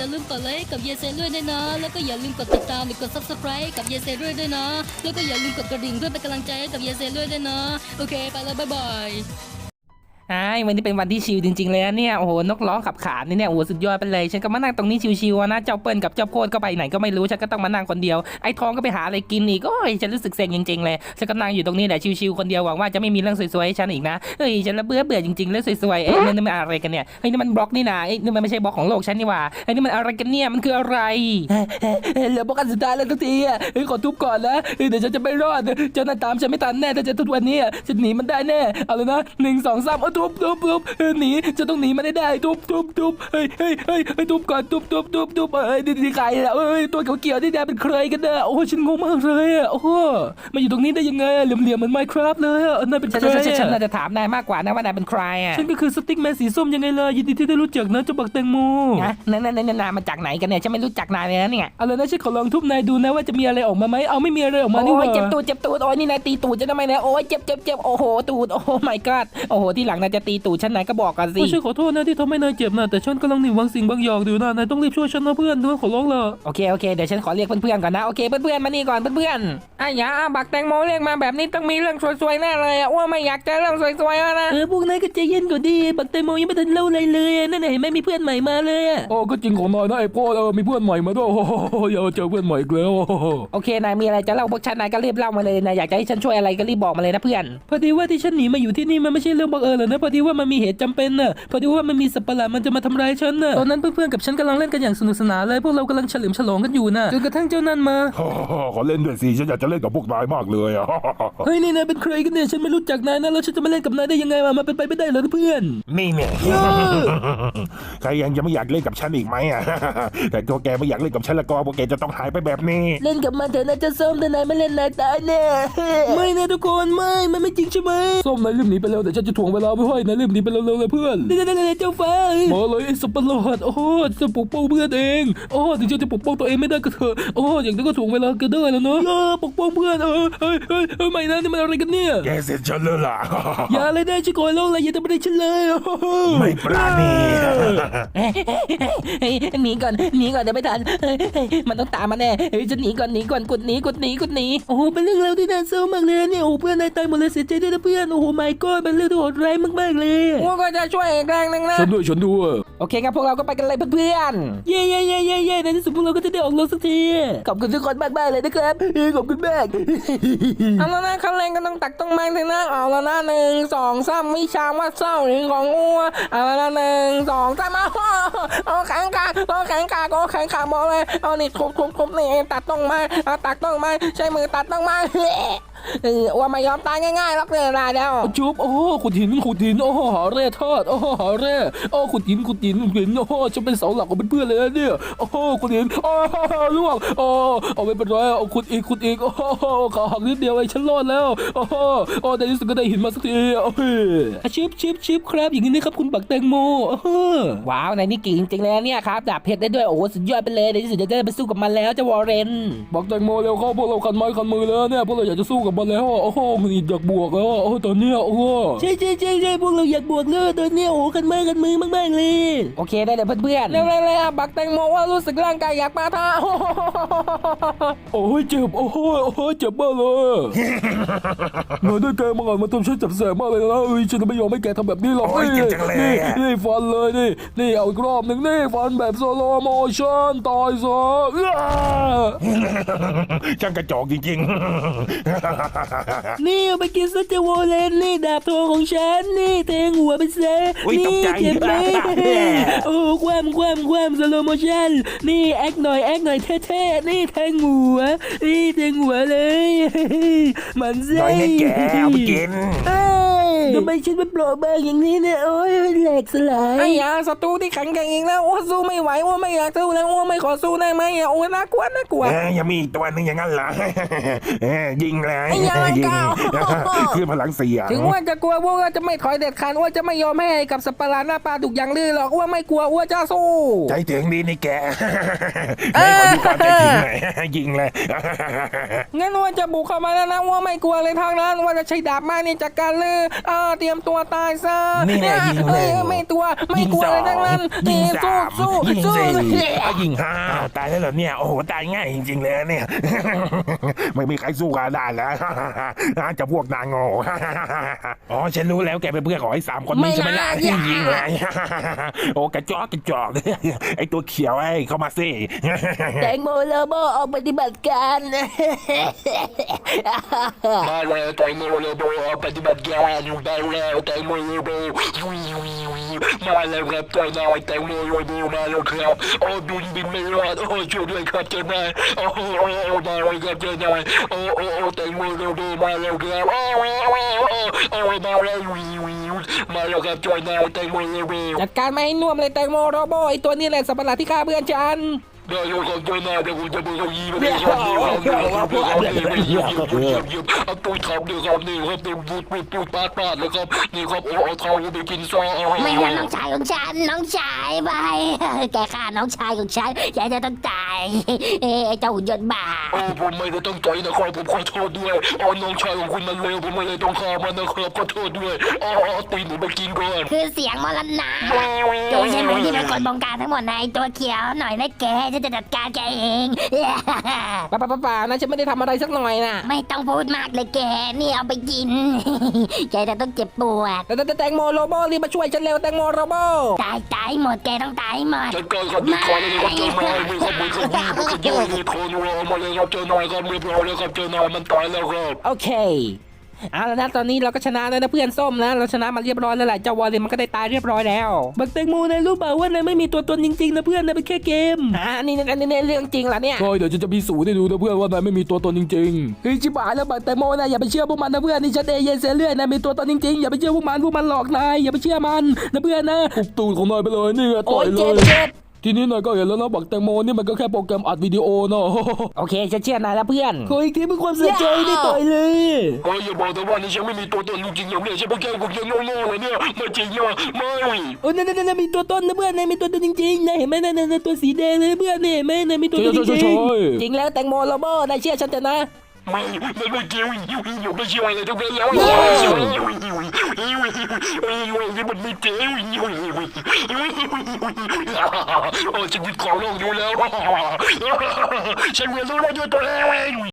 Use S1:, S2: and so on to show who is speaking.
S1: าลืมกดไลค์กับเยเซด้วยนะแล้วก็อย่าลืมกดติดตามหรือกด Subscribe กับเยเซด้วยนะแล้วก็อย่าลืมกดกระดิ่งเพื่อเป็นกำลังใจให้กับเยเซด้วยนะโอเคไปแล้วบ๊ายบาย
S2: วันนี้เป็นวันที่ชิลจริงๆเลยนะเนี่ยโอ้โหนกร้องขับขานนี่เนี่ยโอ้โหสุดยอดไปเลยฉันก็มานั่งตรงนี้ชิวๆนะเจ้าเปิ้ลกับเจ้าโพดก็ไปไหนก็ไม่รู้ฉันก็ต้องมานั่งคนเดียวไอ้ทองก็ไปหาอะไรกินอีกโอ้ยฉันรู้สึกเซ็งจริงๆเลยฉันก็นั่งอยู่ตรงนี้แหละชิวๆคนเดียวหวังว่าจะไม่มีเรื่องสวยๆให้ฉันอีกนะเฮ้ยฉันละเบื่อจริงๆเรื่องสวยๆนี่มันอะไรกันเนี่ยเฮ้ยนี่มันบล็อกนี่นะนี่มันไม่ใช่บล็อกของโลกฉันนี่หว่าเฮ้ยนี่มันอะไรกันเนี่ยมันคืออะไรเหลือบล็อกอันสุดท้ายแล้วทุกทีขอทุบก่อนนะเดี๋ยวฉันจะไม่รอดเจ้าหน้าตามฉันไม่ทันแน่ถ้าจะทุบวันนี้ฉันหนีมันได้แน่เอาเลยนะ1 2 3ทุบหนีจะต้องหนีมันได้ทุบเฮ้ยทุบก่อนทุบนี่ใครอ่ะตัวเขียวๆนี่เป็นใครกันเนี่ยโอ้ฉันงงมากเลยอ่ะโอ้มาอยู่ตรงนี้ได้ยังไงเหลี่ยมเหมือน Minecraft เลยอ่ะนายเป็นใครฉันน่าจะถามนายมากกว่านะว่านายเป็นใครอ่ะฉันก็คือสติ๊กแมนสีส้มยังไงล่ะยินดีที่ได้รู้จักนะเจ้าบักแตงโมนั่นมาจากไหนกันเนี่ยฉันไม่รู้จักนายเลยนะเนี่ยเอาเลยนะฉันขอลองทุบนายดูนะว่าจะมีอะไรออกมาไหมเอาไม่มีอะไรออกมานี่หว่าเจ็บตูดโอ้ยนี่นายตีตูดฉันทำไมเนี่ยโอ้ยเจ็บโอ้โหตูดโอ้ my god โอ้โหที่หลังนายจะตีตูดฉันนายก็บอกกันสิฉันขอโทษนะที่ทำให้นายเจ็บนะแต่ฉันกำลังหนีบางสิ่งบางอย่างอยู่นะนายต้องรีบช่วยฉันนะเพื่อนขอร้องละโอเคเดี๋ยวฉันขอเรียกเพื่อนๆก่อนนะโอเคเพื่อนๆมานี่ก่อนเพื่อนๆอย่าบักแตงโมเรียกมาแบบนี้ต้องมีเรื่องสวยๆแน่เลยว่าไม่อยากเจอเรื่องสวยๆแล้วนะพวกนายก็ใจเย็นก่อนดิบักแตงโมยังไม่ทันเล่าอะไรเลยนั่นเห็นไหมมีเพื่อนใหม่มาเลย
S3: ก็จริงของนายนะไอ้พ่อมีเพื่อนใหม่มาด้วยอย่าเจอเพื่อนใหม่อีกแล้ว
S2: โอเคนายมีอะไรจะเล่าพวกฉันนายก็รีบเล่ามาเลยนะอยากจะให้ฉันช่วยอะไรก็รีบบอกมาเลยนะเพื่อนพอดีว่าที่ฉันหนีมาอยู่ที่นี่มันไม่ใช่เรื่องบังเอิญหรอกนะพอดีว่ามันมีเหตุจำเป็นน่ะพอดีว่ามันมีสัตว์ประหลาดมันจะมาทำร้ายฉันน่ะตอนนั้นเพื่อนๆกับฉันกำลังเล่นกันอย่างสนุกสนานเลยพวกเรากำลังเฉลิมฉลองกันอยู่น่ะจนกระทั่งเจ้านั่นมา
S3: ขอเล่นด้วยสิฉันอยากจะเล่นกับพวกนายมากเลย
S2: เฮ้ยนี่นายเป็นใครกันเนี่ยฉันไม่รู้จักนายนะแล้วฉันจะมาเล่นกับนายได้ยังไงวะมันเป็นไปไม่ได้เลยเพื่อน
S3: นี่เนี่ยใครยังจะไม่อยากเล่นกับฉันอีกไหมแต่ตัวแกไม่อยากเล่นกับฉันแล้วก็พวกแกจะต้องหายไปแบบนี้
S2: เล่นกับมันเถอะนะจะส้มแต่นายไม่เล่นนายตายแน่ไม่นะทุกคนมันไม่จริงใช่ไหม
S3: ส้มนายรีบหนีไปแล้วแต่ฉันจะถ่วงเวลาไม่ให้นายรีบหนีไปเร็วๆเลยเพื่อน
S2: เจ้าฟ้า
S3: มาเลยไอ้สับปะรดโอ้จะปกป้องเพื่อนเองถึงจะปกป้องตัวเองไม่ได้ก็เถอะอย่างนั้นก็ถ่วงเวลาก็ได้แล้วเนาะปกป้องเพื่อนไม่นะนี่มันอะไรกันเนี่ยแกเสร็จฉันเลยล่ะ
S2: อย่าเลยได้ชิโกยโลกเลยอย่าทำอะไรฉันเลย
S3: ไม่ปราณี
S2: หนีก่อนเดี๋ยวไม่ทันมันต้องตามมาแน่จะหนีก่อนกดหนีโอ้โหเป็นเรื่องราวที่น่าเศร้ามากเลยเนี่ยโอ้เพื่อนนายตายหมดเลยเสียใจด้วยนะเพื่อนโอ้โหไม่ก็เป็นเรื่องที่โหดร้ายมากๆเลยพวกก็จะช่วยอีกแรงนึงนะ
S3: ฉันด้วย
S2: โอเคงั้นพวกเราก็ไปกันเลยเพื่อนเย่ในที่สุดพวกเราก็จะได้ออกรถสักทีขอบคุณทุกคนมากๆเลยนะครับขอบคุณมากเอาแล้วนะขั้นแรงก็ต้องตักต้องไม้เลยนะเอาแล้วนะ1 2 3วิชาว่าเศร้าหรือของอ้วเอาแล้วนะ1 2 3เอาแข็งกาบอกเลยเอานี่ทุบนี่ตัดต้องไม้ตักต้องไม้ใช้มือตัดต้องไม้ว่าไม่ยอมตายง่ายๆหรอกเลยนะเดี๋ยว
S3: ชุบขุดหินหาแร่ธาตุหาแร่ขุดหินจะเป็นเสาหลักของเพื่อนเลยเนี่ยขุดหินล่วงเอาไม่เป็นไรเอาขุดอีกขาหักนิดเดียวไอ้ฉันรอดแล้วในที่สุดก็ได้หินมาสักที
S2: ชิปครับอย่างนี้นะครับคุณบักแตงโมว้าวนายนี่เก่งจริงๆเลยเนี่ยครับดาบเพชรได้ด้วยโอ้สุดยอดไปเลยในที่สุดจะได้ไปสู้กับมันแล้วเจ้าวอร์เรน
S3: บักแตงโมเร็วเข้าพวกเราคันไม้คันมือแล้วเนี่ยพวกเราอยากจะสู้กับมันแล้วมันอยากบวกแล้วตอนนี้
S2: ใช่พวกเราอยากบวกเลยตอนนี้กันมือมากๆเลยโอเคได้เลยเพื่อนๆเร็วบักแตงโมว่ารู้สึกร่างกายอยากปะทะ
S3: เจ็บเจ็บมากเลยนายได้แกมาก่อนมาทำฉันเจ็บแสบมากเลยนะฉันจะไม่ยอมให้แกทำแบบนี้หรอกนี่ฟันเลยนี่เอาอีกรอบหนึ่งนี่ฟันแบบสโลโมชั่นตายซะช่างกระจอกจริง
S2: นี่เอาไปกินซะจะวอลเลนนี่ดาบทองของฉันนี่แทงหัวไปเซนี่เจ็บไหมความสโลโมชั่นนี่แอคหน่อยเท่ๆนี่แทงหัวเลยมันเซ่
S3: แกเอาไปกิน
S2: ทำไมฉันเป็นโปรเบอร์อย่างนี้เนี่ยโอ้ยแหลกสลายไอ้ยาศัตรูที่แข็งแกร่งอีกแล้วสู้ไม่ไหวไม่อยากสู้แล้วไม่ขอสู้ได้ไหมน่ากลัว
S3: ยังมีอีกตัวนึงอย่างนั้นเหรอยิงเลย
S2: ยิง
S3: คือพลังเสีย
S2: ถึงว่าจะกลัวว่าจะไม่ถอยเด็ดขาดว่าจะไม่ยอมให้กับสัตว์ประหลาดหน้าปลาถูกอย่างลือหรอกว่าไม่กลัวว่าจะสู้
S3: ใจถึงดีนี่แกไม่ขอดูความใจถึงไหนยิงเลย
S2: งั้นว่าจะบุกเข้ามาแล้วนะว่าไม่กลัวเลยทางนั้นว่าจะใช้ดาบมานี่จากการลือเตรียมตัวตายซะ
S4: นี่แน่ยิงเลย
S2: ไม่กลัวอะไรทั้งนั้น
S4: ยิงสาม
S2: สู้
S4: ยิง
S2: สู้
S4: สี่ยิงห้าตายแล้วเหรอเนี่ยโอ้โหตายง่ายจริงๆเลยเนี่ย ไม่มีใครสู้กันได้แล้ว จะพวกนางโง่ อ๋อฉันรู้แล้วแกเป็นเพื่อนของไอ้สามคนนี้ใช่ไหมล่ะยิงเลย โอ้กระจอก ไอ้ตัวเขียวไอ้เข้ามาสิ
S2: แตงโมโลโบออกปฏิบัติการ
S3: มาแล้วแตงโมโลโบปฏิบัติการอยู่ได้แล้วแตงโมโลโบมาแล้วครับตัวน้อยแตงโมโลโบมาแล้วครับโอ้บินไม่รอดโอ้ช่วยด้วยครับเจ้านายโอ้มาแล้วครับเจ้านายโอ้แตงโมโลโบมาแล้วครับโอ้มาแล้วมาแล้วครับเจ้านายแตงโมโลโบ
S2: จัดการไม่ให้น่วมเลยแตงโมโลโบไอตัวนี้แหละสัตว์ประหลาดที่ฆ่าเพื่อนฉัน
S3: ได้แล้วครับเจ้านายเดี๋ยวผมจะไปเอายีมาให้ครับเอาตัวทำเลยครับนี่ครับปูดปาดเลยครับนี่ครับเอาเท้าไปกินซอ
S1: ไม่งั้นน้องชายของฉันน้องชายไปแกฆ่าน้องชายของฉันแกจะต้องตายเจ้าหุ่นยนต์บ้า
S3: ผมไม่ได้ตั้งใจนะครับผมขอโทษด้วยน้องชายของคุณมันเลวผมไม่ได้ต้องฆ่ามันนะครับขอโทษด้วยตีนผมไปกินก่อน
S1: คือเสียงมรณะตัวใช่ไหมที่เป็นคนบงการทั้งหมดในตัวเขียวหน่อยนะแกจะจัดการแกเอง
S2: ป่านะฉันไม่ได้ทำอะไรสักหน่อยนะ
S1: ไม่ต้องพูดมากเลยแกนี่เอาไปกิน แกจะต้องเจ็บปวด
S2: แต่แตงโมโลโบรีบมาช่วยฉันเร็วแตงโมโลโบ
S1: ตายหมดแกต้องตายหมด
S3: จัดการครับมีคอเลยครับเจ้านายมีครับมีครับมีเยอะมีคอนัวมาเลยครับเจ้านายครับเรียบร้อยแล้วครับเจ้านายมันตายแล้วครับ
S2: โอเคเอาแล้วนะตอนนี้เราก็ชนะแล้วนะเพื่อนส้มนะเราชนะมาเรียบร้อยแล้วแหละเจ้าวอลเลนมันก็ได้ตายเรียบร้อยแล้วบักแตงโมนายรู้เปล่าว่านายไม่มีตัวตนจริงๆนะเพื่อนนายเป็นแค่เกมนี่เรื่องจริงเหรอเนี่ย
S3: ใช่เดี๋ยวจะพิสูจน์ให้ดูนะเพื่อนว่านายไม่มีตัวตนจริง
S2: เฮ้ยชิบหายแล้วบักแตงโมนะอย่าไปเชื่อพวกมันนะเพื่อนนี่ฉันเยนเซเลื่อยนายมีตัวตนจริงๆอย่าไปเชื่อพวกมันหลอกนายอย่าไปเชื่อมันนะเพื่อนนะ
S3: ๆปุบตูดของนายไปเลยนี่ต่อยเลย ทีนี้นายก็เห็นแล้วนะบักแตงโมนี่มันก็แค่โปรแกรมอัดวิดีโอเนาะ
S2: โอเคฉันเชื่อนายแล้วเพื่อนขออีกทีเป็นความเสียใจได้ต่อยเลย
S3: อย่าบอกแต่ว่านี่ฉันไม่มีตัวตนจริงๆอย่างนี้ฉันเป็นแค่พวกยังโง่ๆเลยเนี่ยไม่จริงนะไม่
S2: โอ้นั่นมีตัวตนนะเพื่อนนายมีตัวตนจริงๆนายเห็นไหมนั่นตัวสีแดงเลยเพื่อนนี่เห็นไหมนายมีตัวตนจริงๆจริงแล้วแตงโมโลโบนายเชื่อฉันเถอะนะ
S3: ไม่เกี่ยวอยู่ไม่เชื่ออะไรทั้งนั้นแล้วมันไม่เกี่ยวชีวิตของโลกอยู่แล้วฉันเรียนรู้แล้วด้วยตัวเอง